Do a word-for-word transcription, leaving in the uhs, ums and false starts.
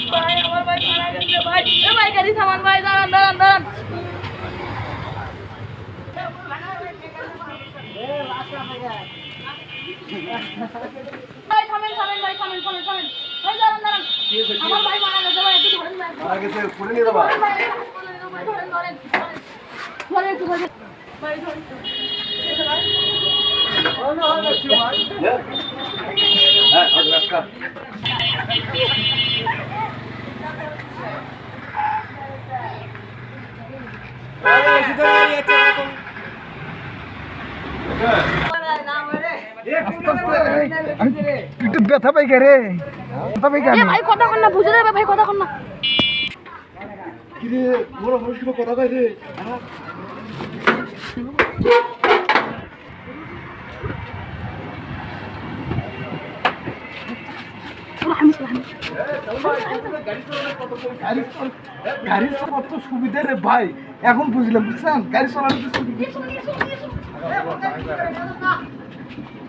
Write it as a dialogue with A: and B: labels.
A: ভাই আমার ভাই মারা গেছে ভাই। এ ভাই গাড়ি থামান ভাই, দাঁড়ান দাঁড়ান দাঁড়ান। ভাই থামেন থামেন ভাই, থামেন থামেন থামেন ভাই, দাঁড়ান দাঁড়ান। আমার ভাই মারা গেছে ভাই, একটু ধরেন ভাই।
B: মারা গেছে করে নিয়ে যাবা।
A: ধরেন ভাই, ধরেন ধরেন ধরেন ধরেন একটু ধরেন ভাই, ধরেন
B: হ্যাঁ আর রাস্তা
C: একটু ব্যথা পাই কে রে, ব্যথা পাই কেন?
A: এ ভাই কথা কন না, বুঝে যাবে ভাই, কথা কন না।
B: কি রে বড় মানুষ কি কথা কয় রে?
C: গাড়ি চালানোর তো সুবিধা রে ভাই, এখন বুঝলাম বুঝছেন গাড়ি চালানোর তো সুবিধা।